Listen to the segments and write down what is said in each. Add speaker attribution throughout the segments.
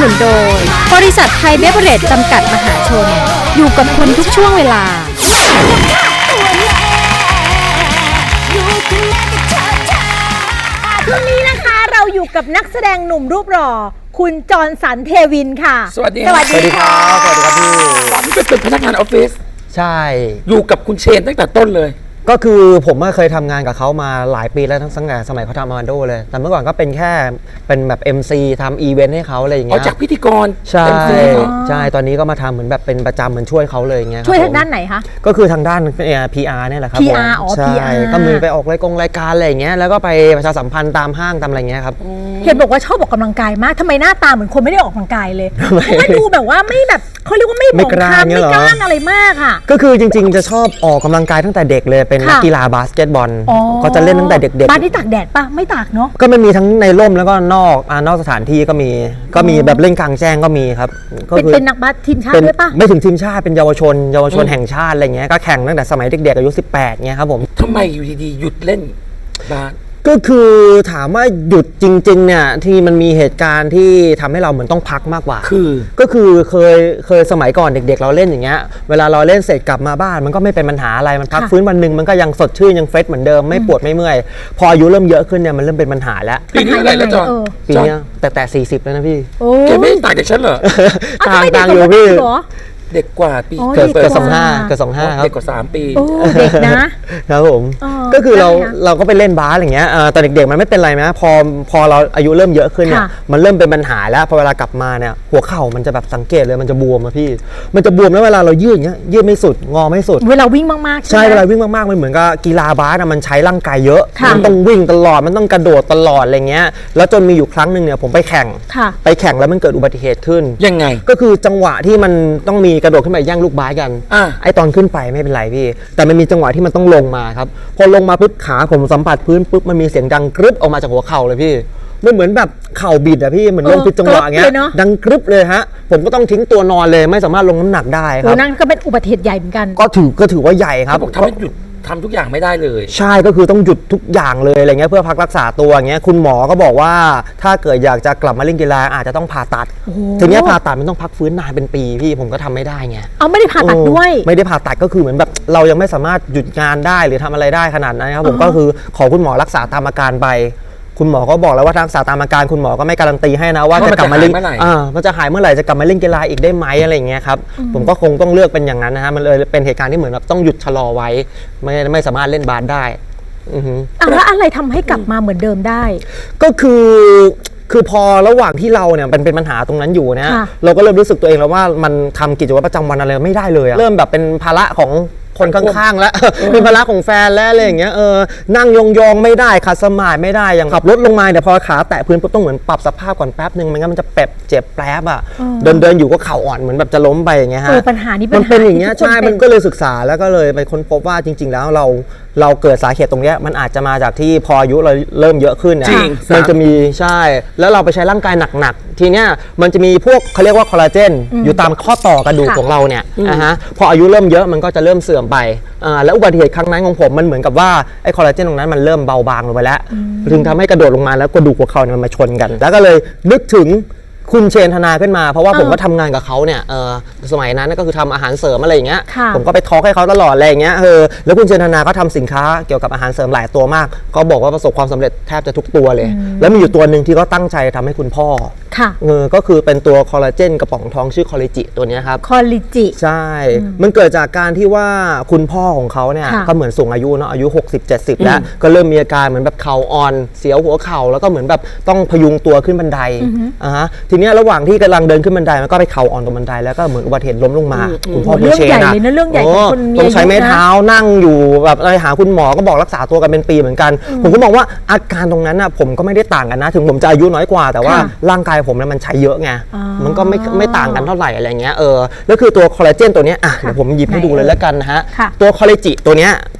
Speaker 1: นุนโดยบริษัทไทยเบเวอเรจจำกัดมหาชนอยู่กับคุณทุกช่วงเวลา
Speaker 2: ช่วงนี้นะคะเราอยู่กับนักแสดงหนุ่มรูปหล่อคุณจรสันเทวินค่ะ
Speaker 3: สวัสดี
Speaker 2: สวัสดีค่ะ
Speaker 4: สวัสดีครับพี่
Speaker 3: ตอนนี้เป็นพนักงานออฟฟิศ
Speaker 4: ใช่
Speaker 3: อยู่กับคุณเชนตั้งแต่ต้นเลย
Speaker 4: ก็คือผมเคยทำงานกับเขามาหลายปีแล้วตั้งแต่สมัยเขาทำมาโดเลย แต่เมื่อก่อนก็เป็นแค่เป็นแบบ MC ทำอีเวนต์ให้เขาอะไรอย่าง
Speaker 3: อ๋อ
Speaker 4: เงี้ย
Speaker 3: จากพิธีกร
Speaker 4: ใช่
Speaker 3: MC
Speaker 4: ใช่ตอนนี้ก็มาทำเหมือนแบบเป็นประจำเหมือนช่วยเขาเลยอย่างเงี้ย
Speaker 2: ช่วย
Speaker 4: ค
Speaker 2: ทา
Speaker 4: รับ
Speaker 2: งด้านไหนคะ
Speaker 4: ก็คือทางด้าน PR เนี่ยแหละครับ
Speaker 2: PR
Speaker 4: ผม
Speaker 2: อ๋อ
Speaker 4: ใช่
Speaker 2: PR
Speaker 4: ก็มีไปออกรายการอะไรอย่างเงี้ยแล้วก็ไปประชาสัมพันธ์ตามห้างตามอะไรเงี้ยครับ
Speaker 2: เห็นบอกว่าชอบออกกำลังกายมากทำไมหน้าตาเหมือนคนไม่ได้ออกกำลังกายเลยเพราะว่าดูแบบว่าไม่แบบเขาเรียกว่าไม่หมองคล้ำไม่กล้านอะไรมากค่ะ
Speaker 4: ก็คือจริงๆจะชอบออกกำลังกายตั้งแต่เด็กเลยเป็นนัก
Speaker 2: ค่ะ
Speaker 4: กีฬาบาสเกตบอล
Speaker 2: อ๋อ
Speaker 4: ก็จะเล่นตั้งแต่เด็ก
Speaker 2: บ้านที่ตากแดดปะไม่ตากเนาะ
Speaker 4: ก็มันมีทั้งในร่มแล้วก็นอกสถานที่ก็มีแบบเล่นกลางแจ้งก็มีครับก็คือ
Speaker 2: เป็นนักบาสทีมชาติด้วยปะ
Speaker 4: ไม่ถึงทีมชาติเป็นเยาวชนแห่งชาติอะไรเงี้ยก็แข่งตั้งแต่สมัยเด็กๆอายุ18เงี้ยครับผม
Speaker 3: ทำไมอยู่ดีๆหยุดเล่นบาส
Speaker 4: ก็คือถามว่าหยุดจริงๆเนี่ยที่มันมีเหตุการณ์ที่ทำให้เราเหมือนต้องพักมากกว่า ก็คือเคยสมัยก่อนเด็กๆเราเล่นอย่างเงี้ยเวลาเราเล่นเสร็จกลับมาบ้านมันก็ไม่เป็นปัญหาอะไรมันพัก
Speaker 2: ค่ะ
Speaker 4: ฟื้นวันหนึ่งมันก็ยังสดชื่นยังเฟรชเหมือนเดิมไม่ปวดไม่เมื่อยพออายุเริ่มเยอะขึ้นเนี่ยมันเริ่มเป็นปัญหาแล้ว
Speaker 3: ปีนี้อะไรแล้วจอน
Speaker 4: ปีเนี้ยแต่40แล้วนะพี่
Speaker 2: โอ้
Speaker 3: แกไม่ได้ต่างจากฉันเหรอ
Speaker 2: อ้าวทำไมเด็ก
Speaker 4: ต่างอยู่
Speaker 2: กว่า
Speaker 4: พี่
Speaker 2: เหรอ
Speaker 3: เด็กกว่าปี
Speaker 2: อ๋อ
Speaker 4: เกิด
Speaker 2: เด็กกว่า
Speaker 4: เกิด25ครับ
Speaker 3: เด็กกว่า3 ปี
Speaker 2: โอ้เด็กนะ
Speaker 4: ครับผม
Speaker 2: อ๋อ
Speaker 4: ก็คือเรา
Speaker 2: ได้ค่ะ
Speaker 4: เราก็ไปเล่นบาสอย่างเงี้ยตอนเด็กๆมันไม่เป็นไรนะพอเราอายุเริ่มเยอะขึ้นเนี่ย
Speaker 2: ค่ะ
Speaker 4: มันเริ่มเป็นปัญหาแล้วพอเวลากลับมาเนี่ยหัวเข่ามันจะแบบสังเกตเลยมันจะบวมอะพี่มันจะบวมแล้วเวลาเรายืดอย่างเงี้ยยืดไม่สุดงอไม่สุด
Speaker 2: เวลาวิ่งมากๆ
Speaker 4: ใช่
Speaker 2: ไหม
Speaker 4: เวลาวิ่งมากๆมันเหมือนกับกีฬาบาสอะมันใช้ร่างกายเยอะ
Speaker 2: ค่ะ
Speaker 4: มันต้องวิ่งตลอดมันต้องกระโดดตลอดอะไรเงี้ยแล้วจนมีอยู่ครั้งหนึ่งเนี่ยผมไปแข่ง
Speaker 2: ค่ะ
Speaker 4: แล้วมันเกิดอุบัติเหตุขึ้น
Speaker 3: ยังไง
Speaker 4: ก็คือจังหวะที่มันต้องมีกระโดดขึ้นไปแย่งลูกบาสกัน
Speaker 3: อ่ะ
Speaker 4: ไอตอนขึ้นไปไม่เป็นไรพี่ แต่มันมีจังหวะที่มันต้องลงมาครับพอลงมาปุ๊บขาผมสัมผัสพื้นปุ๊บมันมีเสียงดังกรึบออกมาจากหัวเข่าเลยพี่มันเหมือนแบบเข่าบิดอะพี่เหมือนลงผิดจังหวะเงี้
Speaker 2: กรึบเลย ยเนอะ
Speaker 4: ดังกรึบเลยฮะผมก็ต้องทิ้งตัวนอนเลยไม่สามารถลงน้ำหนักได้ค
Speaker 2: โอ้
Speaker 4: รับ
Speaker 2: นั่นก็เป็นอุบัติเหตุใหญ่เหมือนกัน
Speaker 4: ก็ถือว่าใหญ่ครั
Speaker 3: เขา
Speaker 4: บ
Speaker 3: บอกทำให้หยุดทำทุกอย่างไม่ได้เลย
Speaker 4: ใช่ก็คือต้องหยุดทุกอย่างเลยอะไรเงี้ยเพื่อพักรักษาตัวอย่างเงี้ยคุณหมอก็บอกว่าถ้าเกิดอยากจะกลับมาเล่นกีฬาอาจจะต้องผ่าตัดทีเนี้ยผ่าตัดมันต้องพักฟื้นนานเป็นปีพี่ผมก็ทำไม่ได้ไง
Speaker 2: เอาไม่ได้ผ่าตัดด้วย
Speaker 4: ไม่ได้ผ่าตัดก็คือเหมือนแบบเรายังไม่สามารถหยุดงานได้หรือทำอะไรได้ขนาดนั้นครับผมก็คือขอคุณหมอรักษาตามอาการไปคุณหมอก็บอกแล้วว่ารักษาตามอาการคุณหมอก็ไม่การันตีให้นะว่าจะกลับมาเล่น
Speaker 3: ว่ามันจะหายเมื่อไหร่
Speaker 4: มันจะหายเมื่อไหร่จะกลับมาเล่นกีฬาอีกได้ไหมอะไรอย่างเงี้ยครับผมก็คงต้องเลือกเป็นอย่างนั้นนะฮะมันเลยเป็นเหตุการณ์ที่เหมือนแบบต้องหยุดชะลอไว้ไม่สามารถเล่นบาสได้อือฮึ
Speaker 2: แล้วอะไรทำให้กลับมาเหมือนเดิมได้
Speaker 4: ก็คือพอระหว่างที่เราเนี่ยเป็นปัญหาตรงนั้นอยู่นะ
Speaker 2: ค่ะ
Speaker 4: เราก็เริ่มรู้สึกตัวเองแล้วว่ามันทำกิจวัตรประจำวันอะไรไม่ได้เลยอะเริ่มแบบเป็นภาระของคนข้างๆแล้ว เป็นภาระของแฟนแล้วอะไรอย่างเงี้ยนั่งยองๆไม่ได้ขัดสมาธิไม่ได้อย่างขับรถลงมาเนี่ยพอขาแตะพื้นปุ๊บต้องเหมือนปรับสภาพก่อนแป๊บนึงไม่งั้นมันจะเจ็บแป๊บอะเดินอยู่ก็เข่าอ่อนเหมือนแบบจะล้มไปอย่างเงี้ยฮะ
Speaker 2: ปัญหานี้
Speaker 4: มันเป็นอย่างเงี้ย
Speaker 2: ที่ทุกคน
Speaker 4: ใช่
Speaker 2: เป็น
Speaker 4: มันก็เลยศึกษาแล้วก็เลยไปค้นพบว่าจริง ๆ แล้วเราเกิดสาเหตุตรงเนี้ยมันอาจจะมาจากที่พออายุเราเริ่มเยอะขึ้นเนี่ย
Speaker 3: จริง
Speaker 4: มันจะมีใช่แล้วเราไปใช้ร่างกายหนักๆทีเนี้ยมันจะมีพวกเขาเรียกว่าคอลลาเจนอยู่ตามข้อต่อกระดูก
Speaker 2: ค่ะ
Speaker 4: ของเราเนี่ยนะฮะพออายุเริ่มเยอะมันก็จะเริ่มเสื่อมไปแล้วอุบัติเหตุครั้งนั้นของผมมันเหมือนกับว่าไอ้คอลลาเจนตรงนั้นมันเริ่มเบาบางลงไปแล้วถึงทำให้กระโดดลงมาแล้วกระดูกหัวเข่าเนี่ยมันมาชนกัน แล้วก็เลยนึกถึงคุณเชนธนาขึ้นมาเพราะว่าผมก็ทำงานกับเขาเนี่ยสมัยนั้นก็คือทำอาหารเสริมอะไรอย่างเงี้ย
Speaker 2: ค่ะ
Speaker 4: ผมก็ไปทอล์กให้เขาตลอดอะไรอย่างเงี้ยแล้วคุณเชนธนาก็ทำสินค้าเกี่ยวกับอาหารเสริมหลายตัวมากก็บอกว่าประสบความสำเร็จแทบจะทุกตัวเลย แล้วมีอยู่ตัวหนึ่งที่ก็ตั้งใจทำให้คุณพ่อ
Speaker 2: ค่ะ
Speaker 4: ก็คือเป็นตัวคอลลาเจนกระป๋องทองชื่อคอลลิจิตัวเนี้ยครับ
Speaker 2: คอลลิจิ
Speaker 4: ใช่ มันเกิดจากการที่ว่าคุณพ่อของเขาเนี่ย
Speaker 2: ค่ะ
Speaker 4: ก็เหมือนสูงอายุเนาะอายุ 60-70 แล้วก็เริ่มมีอาการเหมือนแบบเข่าอ่อนเสียวหัวเข่าแล้วก็เหมือนแบบต้องพยุงตัวขึ้นบันไดทีเนี้ยระหว่างที่กำลังเดินขึ้นบันไดมันก็ไปเข่าอ่อนตรงบันไดแล้วก็เหมือนอุบัติเหตุล้มลงมาคุณพ่อคุณเชน
Speaker 2: เรื่องใหญ่เลยนะเรื่องใหญ่ของคนมีอายุนะ
Speaker 4: ต้องใช้ไม้เท้านั่งอยู่แบบอะไรหาคุณหมอก็บอกรักษาตัวกันเป็นปีเหมือนกัน ผมก็มองว่าอาการตรงนั้นน่ะผมก็ไม่ได้ต่างกันนะถึงผมจะอายุน้อยกว่าแต่ว่า
Speaker 2: ค่ะ
Speaker 4: ร่างกายผมเนี่ยมันใช้เยอะไง
Speaker 2: อ๋อ
Speaker 4: มันก็ไม่ต่างกันเท่าไหร่อะไรเงี้ยแล้วคือตัวคอลลาเจนตัวเนี้ยเดี๋ยวผมหยิบให้ดูเลยแล้วกันนะฮะ
Speaker 2: ค่ะ
Speaker 4: ตัวคอลลาจิตัวเนี้ย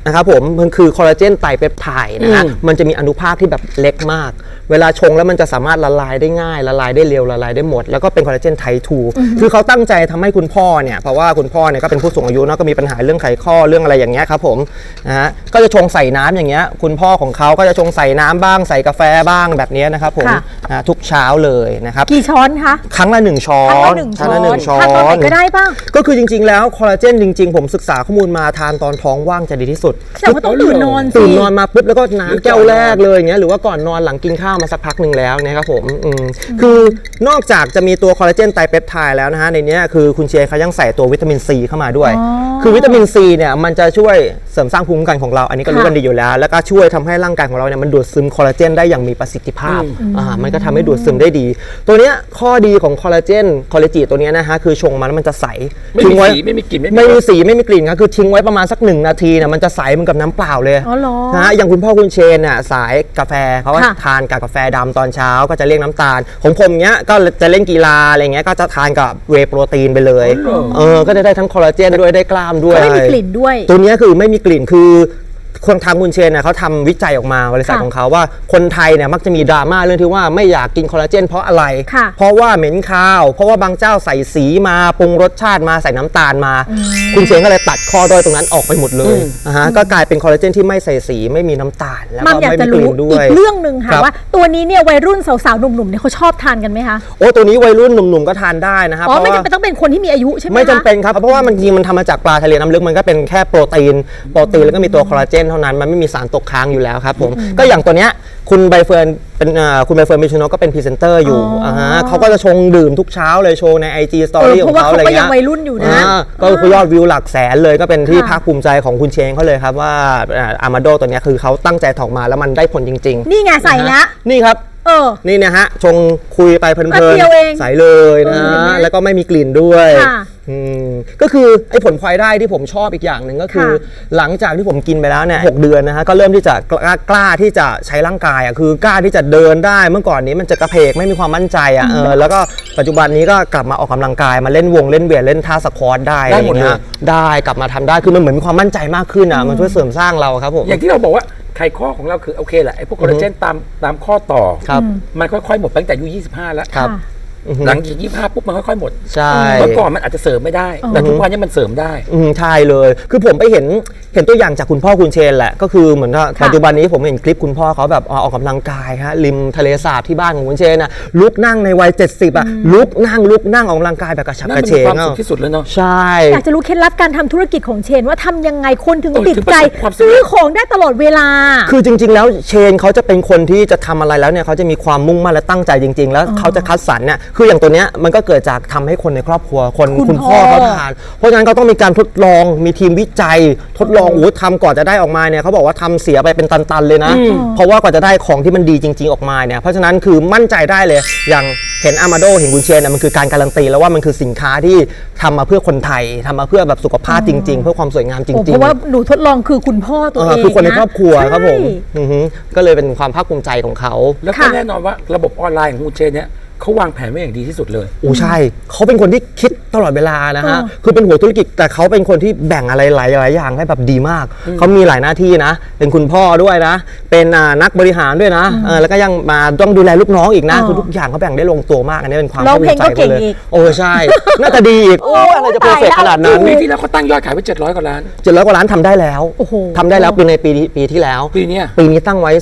Speaker 4: นะครับผมมันคือคอลลาเจนไตรเปปไทด์นะฮะมันจะมีอนุภาคที่แบบเล็กมาก เวลาชงแล้วมันจะสามารถละลายได้ง่ายละลายได้เร็วละลายได้หมดแล้วก็เป็นคอลลาเจนไทป์2คือเขาตั้งใจทำให้คุณพ่อเนี่ยเพราะว่าคุณพ่อเนี่ยก็เป็นผู้สูงอายุเนาะก็มีปัญหาเรื่องไขข้อเรื่องอะไรอย่างเงี้ยครับผมนะฮะก็จะชงใส่น้ำอย่างเงี้ยคุณพ่อของเขาก็จะชงใส่น้ำบ้างใส่กาแฟบ้างแบบนี้นะครับผมทุกเช้าเลยนะครับ
Speaker 2: กี่ช้อนคะ
Speaker 4: ครั้งละ1ช้อนครั้งละ1ช้อน
Speaker 2: ทานตอนไหนก็ได้ป่ะ
Speaker 4: ก็คือจริงๆแล้วคอลลาเจนจริงๆผมศึกษาข้อมูลมาทานตอนท้องว่างจะดีที่สุด
Speaker 2: แต่ว่าต้องตื่นนอนสิ
Speaker 4: ตื่นนอนมาปุ๊บแล้วก็น้ำแก้วแรกเลยอย่างเงี้ยหรือว่าก่อนนอนหลังกินข้าวมาสักพักหนึ่งแล้วนะครับผมคือนอกจากจะมีตัวคอลลาเจนไตรเปปไทด์แล้วนะฮะในนี้คือคุณเชียร์เขายังใส่ตัววิตามินซีเข้ามาด้วยคือวิตามินซีเนี่ยมันจะช่วยเสริมสร้างภูมิคุ้มกันของเราอันนี้ก็รู้กันดีอยู่แล้วแล้วก็ช่วยทำให้ร่างกายของเราเนี่ยมันดูดซึมคอลลาเจนได้อย่างมีประสิทธิภาพมันก็ทำให้ดูดซึมได้ดีตัวเนี้ยข้อดีของคอลลาเจนคอลลาจีตัวเนี้ยนะฮะคือชงมาแล้วมันจะใส
Speaker 3: ไม่มีสีไม่มีกลิ่น
Speaker 4: ไม่มีสีไม่มีกลิ่นครับคือทิ้งไว้ประมาณสัก1นาทีเนี่ยมันจะใสเหมือนกับน้ำเปล่าเลย
Speaker 2: อ๋อเหรอ
Speaker 4: นะฮะอย่างคุณพ่อคุณเชนน่ะสายกาแฟเขาก็ทานกับกาแฟดำตอนเช้าก็จะเลี่ยงน้ำตาลของผมเนี้ยก็จะเล่นกีฬาอะไรเงี้ยก็จะทานกับเวย์โปรตีนไปเลยก็จะได้ทั้งคอลลาเจนด้วยได้กล้ามด้วย
Speaker 2: ไม่มีกลิ่นด้วย
Speaker 4: ตัวเนี้ยคือไม่มีกลิ่นคือคนทางคุณเชนเนี่ยเขาทำวิจัยออกมาบริษัทของเขาว่าคนไทยเนี่ยมักจะมีดราม่าเรื่องที่ว่าไม่อยากกินคอลลาเจนเพราะอะไรเพราะว่าเหม็นคาวเพราะว่าบางเจ้าใส่สีมาปรุงรสชาติมาใส่น้ำตาลมาคุณเชนก็เลยตัดข้อด้อยตรงนั้นออกไปหมดเลยก็กลายเป็นคอลลาเจนที่ไม่ใส่สีไม่มีน้ำตาลแล้วก็ไม่มีกลิ่นด้วย
Speaker 2: อีกเรื่องหนึ่งค่ะว่าตัวนี้เนี่ยวัยรุ่นสาวๆหนุ่มๆเนี่ยเขาชอบทานกันไหมคะ
Speaker 4: โอ้ตัวนี้วัยรุ่นหนุ่มๆก็ทานได้นะครับ
Speaker 2: อ๋อไม่จำเป็นต้องเป็นคนที่มีอายุใช่ไหมคะ
Speaker 4: ไม่จำเป็นครับเพราะว่ามันจริงมันทำมาจากปลาทะเลน้ำลึกมันก็เป็นแค่โปรตีนแล้วก็มีตัวคอลลาเจนเท่านั้นมันไม่มีสารตกค้างอยู่แล้วครับผมก็อย่างตัวเนี้ยคุณใบเฟิร์นเป็นคุณใบเฟิร์นมิชโนก็เป็นพรีเซนเตอร์อยู่เขาก็จะชงดื่มทุกเช้าเลยโชว์ใน IG Story ของเขาอะไรเงี้ย
Speaker 2: เพราะว่าเขาก็ยังวัยรุ่นอยู่นะ
Speaker 4: ก็ยอดวิวหลักแสนเลยก็เป็นที่ภาคภูมิใจของคุณเชงเขาเลยครับว่าอามาโดตัวเนี้ยคือเขาตั้งใจถอกมาแล้วมันได้ผลจริงๆ
Speaker 2: นี่ไงใส่ละ
Speaker 4: นี่ครับนี่นะฮะชงคุยไปเพลินๆใสเลยนะแล้วก็ไม่มีกลิ่นด้วยก็คือไอ้ผลพลอยได้ที่ผมชอบอีกอย่างหนึ่งก็คือหลังจากที่ผมกินไปแล้วเนี่ย6 เดือนนะฮะก็เริ่มที่จะกล้าที่จะใช้ร่างกายคือกล้าที่จะเดินได้เมื่อก่อนนี้มันจะกระเพกไม่มีความมั่นใจแล้วก็ปัจจุบันนี้ก็กลับมาออกกำลังกายมาเล่นวงเล่นเวทเล่นท่าสควอตได้อะไรอย่างเงี้ยได้กลับมาทำได้คือมันเหมือนมีความมั่นใจมากขึ้นมันช่วยเสริมสร้างเราครับผม
Speaker 3: อย่างที่เราบอกว่าไขข้อของเราคือโอเคแหละไอ้พวกคอลลาเจนตามข้อต่อมันค่อยๆหมดตั้งแต่อายุ25แล้วหลังจาก25ปุ๊บมันค่อยๆหมด
Speaker 4: ใช่
Speaker 3: เมื่อก่อนมันอาจจะเสริมไม่ได้แต่ทุกวันนี้มันเสริมได้
Speaker 4: ใช่เลยคือผมไปเห็นตัวอย่างจากคุณพ่อคุณเชนแหละก็คือเหมือนว่าปัจจุบันนี้ผมเห็นคลิปคุณพ่อเขาแบบออกกำลังกายฮะริมทะเลสาบที่บ้านของคุณเชนลุกนั่งในวัย70ลุกนั่งออกกำลังกายแบบกระฉับกระเฉง
Speaker 3: ความสุขที่สุดแล้วเนาะ
Speaker 4: ใช่
Speaker 2: อยากจะรู้เคล็ดลับการทำธุรกิจของเชนว่าทำยังไงคนถึงติดใจซื้อของได้ตลอดเวลา
Speaker 4: คือจริงๆแล้วเชนเขาจะเป็นคนที่จะทำอะไรแล้วเนี่ยเขาจะมีความมุ่งมั่นและตั้งใจจริงๆแล้วเขาจะคัดสรรเนี่ยคืออย่างตัวเนี้ยมันก็เกิดจากทำให้คนในครอบครัวคุณพ่อเขาทานเพราะฉะนั้นเขาต้องมีการทดลองมีทีมวิจัยทดลองทำก่อนจะได้ออกมาเนี่ยเขาบอกว่าทำเสียไปเป็นตันๆเลยนะเพราะว่ากว่าจะได้ของที่มันดีจริงๆออกมาเนี่ยเพราะฉะนั้นคือมั่นใจได้เลยอย่างเห็นอามาโดเห็นคุณเชนมันคือการการันตีแล้วว่ามันคือสินค้าที่ทำมาเพื่อคนไทยทำมาเพื่อแบบสุขภาพจริงๆเพื่อความสวยงามจริงๆ
Speaker 2: เพราะว่าหนูทดลองคือคุณพ่อตัวเอง
Speaker 4: คือคนในครอบครัวครับผมก็เลยเป็นความภาคภูมิใจของเขา
Speaker 3: แล้วก็แน่นอนว่าระบบออนไลน์ของคุณเชนเนี่ยเขาวางแผนไว้อย่างดีที่สุดเลย
Speaker 4: ใช่เขาเป็นคนที่คิดตลอดเวลานะฮะคือเป็นหัวธุรกิจแต่เขาเป็นคนที่แบ่งอะไรหลายอย่างให้แบบดีมากเขามีหลายหน้าที่นะเป็นคุณพ่อด้วยนะเป็นนักบริหารด้วยนะแล้วก็ยังมาต้องดูแลลูกน้องอีกนะคือทุกอย่างเขาแบ่งได้ลงตัวมากอันนี้เป็นความ
Speaker 2: ภาคภูมิใจเขาเลย
Speaker 4: ใช่น่าจะดีอีกอะไรจะเพอร์เฟกต์ขนาดนั้น
Speaker 3: ปีที่แล้วเขาตั้งยอดขายไว้700 กว่าล้าน
Speaker 4: 700 กว่าล้านทำได้แล้วทำได้แล้วในปีที่แล้ว
Speaker 3: ปีนี้
Speaker 4: ตั้งไว้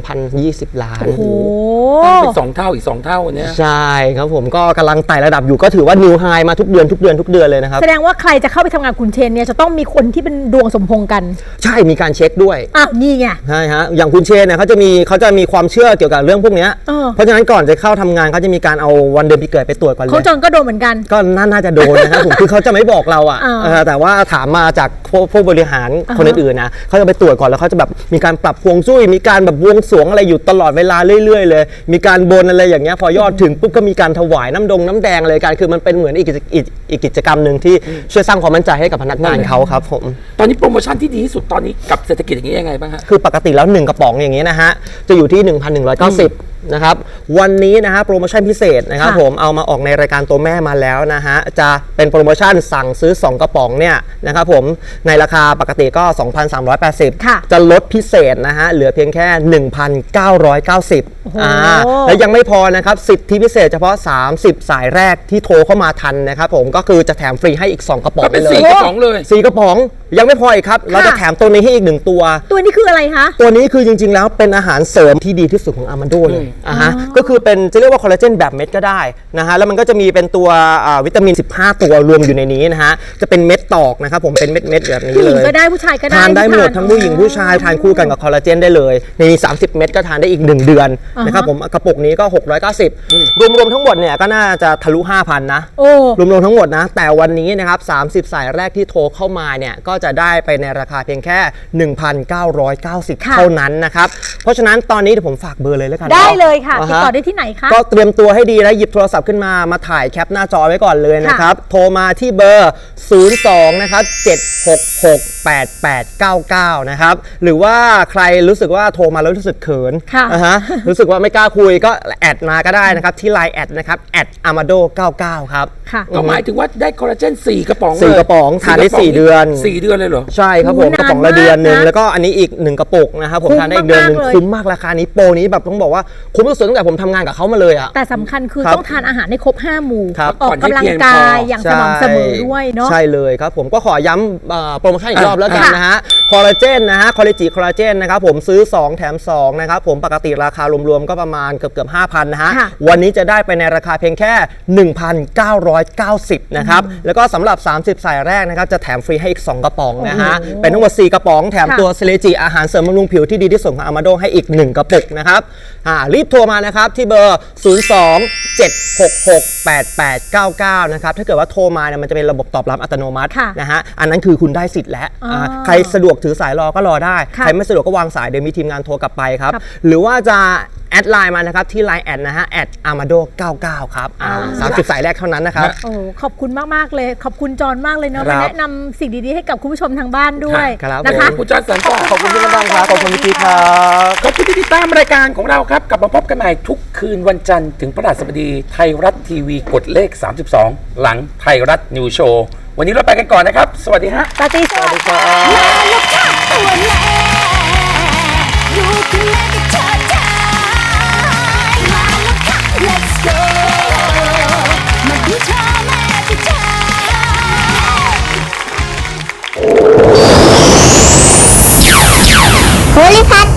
Speaker 4: 2,020 ล้าน
Speaker 3: ตั้งเป็น2 เท่าอีก2 เท่าเนี่ย
Speaker 4: ใช่ครับผมก็กำลังไต่ระดับอยู่ก็ถือว่านิวไฮมาทุกเดือนเลยนะครับ
Speaker 2: แสดงว่าใครจะเข้าไปทำงานคุณเชนเนี่ยจะต้องมีคนที่เป็นดวงสมพงษ์กัน
Speaker 4: ใช่มีการเช็คด้วย
Speaker 2: นี่ไง
Speaker 4: ใช่ฮะอย่างคุณเชนเนี่ยเขาจะมีความเชื่อเกี่ยวกับเรื่องพวกนี้เพราะฉะนั้นก่อนจะเข้าทำงานเขาจะมีการเอาวันเดือนปีเกิดไปตรวจก่อนเลย
Speaker 2: เขาจนก็โดนเหมือนกัน
Speaker 4: ก็น่าจะโดนนะครับผมคือเขาจะไม่บอกเราแต่ว่าถามมาจากผู้บริหารคนอื่นๆนะเขาจะไปตรวจก่อนแล้วเขาจะแบบมีการปรับฮวงจุ้ยมีการแบบบวงสรวงอะไรอยู่ตลอดเวลาเรื่อยๆเลยมีการบนอะไรอย่างเงี้ยพอยอดถึงปุ๊บก็มีการถวายน้ำแดงเลยการคือมันเป็นเหมือนอีกกิจกรรมหนึ่งที่ช่วยสร้างความมั่นใจให้กับพนักงานเขาครับผม
Speaker 3: ตอนนี้โปรโมชั่นที่ดีที่สุดตอนนี้กับเศรษฐกิจอย่างนี้ยังไงบ้างฮะ
Speaker 4: คือปกติแล้ว1 กระป๋องอย่างนี้นะฮะจะอยู่ที่ 1,190 นะครับวันนี้นะฮะโปรโมชั่นพิเศษนะครับ
Speaker 2: ค่ะ
Speaker 4: ผมเอามาออกในรายการตัวแม่มาแล้วนะฮะจะเป็นโปรโมชั่นสั่งซื้อ 2 กระป๋องเนี่ยนะครับผมในราคาปกติก็ 2,380
Speaker 2: ค่ะ
Speaker 4: จะลดพิเศษนะฮะเหลือเพียงแค่ 1,990
Speaker 2: โอ้โห
Speaker 4: แล้วยังไม่พอนะครับสิทธิพิเศษเฉพาะ 30 สายแรกที่โทรเข้ามาทันนะครับผมก็คือจะแถมฟรีให้อีก 2 กระป๋อง
Speaker 3: ก็เป็น
Speaker 4: ไปเลย
Speaker 3: 4 กระป๋องเลย
Speaker 4: 4 กระป๋องยังไม่พออีกครับเราจะแถมตัวนี้ให้อีก 1 ตัว
Speaker 2: ตัวนี้คืออะไรคะ
Speaker 4: ตัวนี้คือจริงๆ แล้วเป็นอาหารเสริมที่ดีที่สุดของอามันโดเลยฮะก็คือเป็นจะเรียกว่าคอลลาเจนแบบเม็ดก็ได้นะฮะแล้วมันก็จะมีเป็นตัววิตามิน 15 ตัวรวมอยู่ในนี้นะฮะจะเป็นเม็ดตอกนะครับผมเป็นเม็ดๆแบบนี้
Speaker 2: ผู้ห
Speaker 4: เล
Speaker 2: ญิง
Speaker 4: ย
Speaker 2: ก็ได้ผู้ชายก็ได้
Speaker 4: ทานได้หมด
Speaker 2: ที่
Speaker 4: ทั้งผู้หญิงผู้ชายทานคู่กันกับคอลลาเจนได้เลยในนี้30 เม็ดก็ทานได้อีก 1 เดือนนะครับผมกระปุกนี้ก็ 690 รวมๆทั้งหมดเนี่ยก็น่าจะทะลุ 5,000 นะ
Speaker 2: โอ้
Speaker 4: รวมๆทั้งหมดนะแต่วันนี้นะครับ30 สายแรกที่โทรเข้ามาเนี่ยก็จะได้ไปในราคาเพียงแค่ 1,990
Speaker 2: ค่ะ
Speaker 4: เท่านั้นนะครับเพราะฉะนั้นตอนนี้เดี๋ยวผมฝากเบอร์เลยแล้วกัน
Speaker 2: ได้
Speaker 4: นา
Speaker 2: เลยค่ะ
Speaker 4: อ่า
Speaker 2: ติด
Speaker 4: ฮะ
Speaker 2: ต่อได้ที่ไหนคะ
Speaker 4: ก็เตรียมตัวให้ดีนะหยิบโทรศัพท์ขึ้นมาถ่ายแคปหน้าจอไว้ก่อนเลยนะครับ โทรมาที่เบอร์ 02 นะครับ 7668899 นะครับ หรือว่าใครรู้สึกว่าโทรมาแล้วรู้สึกเขิน
Speaker 2: ค่ะ
Speaker 4: อ่าฮะรู้สึกว่าไม่กล้าคุยก็แอดมาก็ได้นะครับ ที่ Line แอดนะครับ@amado99 ครับ
Speaker 2: ค่ะ
Speaker 3: ก็หมายถึงว่าได้คอลลาเจน4 กระป๋องเลย
Speaker 4: สี่กระป๋องทานได้4 เดือน
Speaker 3: 4 เดือนเลยเหรอ
Speaker 4: ใช่ครับผม
Speaker 2: โอ้
Speaker 4: กระป๋อง
Speaker 2: นาน
Speaker 4: ละเดือนหนึ่ง
Speaker 2: มากนะ
Speaker 4: แล้วก็อันนี้อีก 1 กระปุกนะครับผม
Speaker 2: คุ้ม
Speaker 4: ทานได้อีกเดือนหนึ่ง
Speaker 2: มากๆเลย
Speaker 4: คุ้มมากราคานี้โปรนี้แบบต้องบอกว่าคุ้มที่สุดตั้งแต่ผมทำงานกับเขามาเลยอ่ะ
Speaker 2: แต่สำคัญคือ
Speaker 4: ครับ
Speaker 2: ต้องทานอาหารให้ครบ 5 หมู่
Speaker 4: ครับ
Speaker 2: ออกกำลังกายอย่างสม่ำเสมอด้วยเนาะ
Speaker 4: ใช่เลยครับผมก็ขอย้ำโปรโมชั่นอีกรอบแล้วกัน
Speaker 2: ค่ะ
Speaker 4: นะฮะคอลลาเจนนะฮะคอลลาจิคอลลาเจนนะครับผมซื้อ 2 แถม 2 นะครับผมปกติราคารวมๆก็ประมาณเกือบ 5,000 นะฮะ
Speaker 2: ค่ะ
Speaker 4: วันนี้จะได้ไปในราคาเพียงแค่ 1,990 นะครับแล้วก็สำหรับ 30 สายแรกนะครับจะแถมฟรีให้อีก 2 กระป๋องนะฮะเป็นทั้งหมด 4 กระป๋องแถม
Speaker 2: ค่ะ
Speaker 4: ตัวเซเลจิอาหารเสริมบำรุงผิวที่ดีที่สุดของอามาโดให้อีก 1 กระปุกนะครับรีบโทรมานะครับที่เบอร์ 02-766-8899 นะครับถ้าเกิดว่าโทรมาเนี่ยมันจะเป็นระบบตอบรับอัตโนมัติ
Speaker 2: ค่ะ
Speaker 4: นะฮะอันนั้นคือคุณได้สิทธิ์แล้ว
Speaker 2: อ๋อ
Speaker 4: ใครสะดวกถือสายรอก็รอได้
Speaker 2: ค่ะ
Speaker 4: ใครไม่สะดวกก็วางสายเดี๋ยวมีทีมงานโทรกลับไปครับ
Speaker 2: ครับ
Speaker 4: หรือว่าจะแอดไลน์มานะครับที่ Line แอดนะฮะ@amado99 ครับ30 สายแรกเท่านั้นนะครับ
Speaker 2: โอ้ขอบคุณมากๆเลย ขอบคุณจอนมากเลยเนาะ
Speaker 4: ครั
Speaker 2: มา
Speaker 4: บ
Speaker 2: แนะนำสิ่งดีๆให้กับคุณผู้ชมทางบ้านด้วย
Speaker 4: ครับ
Speaker 2: นะคะ
Speaker 4: ผม
Speaker 3: คุณจอห์นสันก็
Speaker 4: ขอบคุณพี่กำลังครับขอบคุณพี่พีครับ
Speaker 3: ขอบคุณที่ติดตามรายการของเราครับ กลับมาพบกันใหม่ทุกคืนวันจันทร์ถึงพฤหัสบดีไทยรัฐทีวีกดเลข 32 หลังไทยรัฐนิวโชว์วันนี้เราไปกันก่อนนะครับ สวัสดีฮะ
Speaker 2: ตาตีสวัสดีค่ะ
Speaker 5: ตัวแลอยู่ข้างในกับเธอได้มาแล้วค่ะ let's go มาดูเธอมาดูเธอ
Speaker 6: โพลิพัท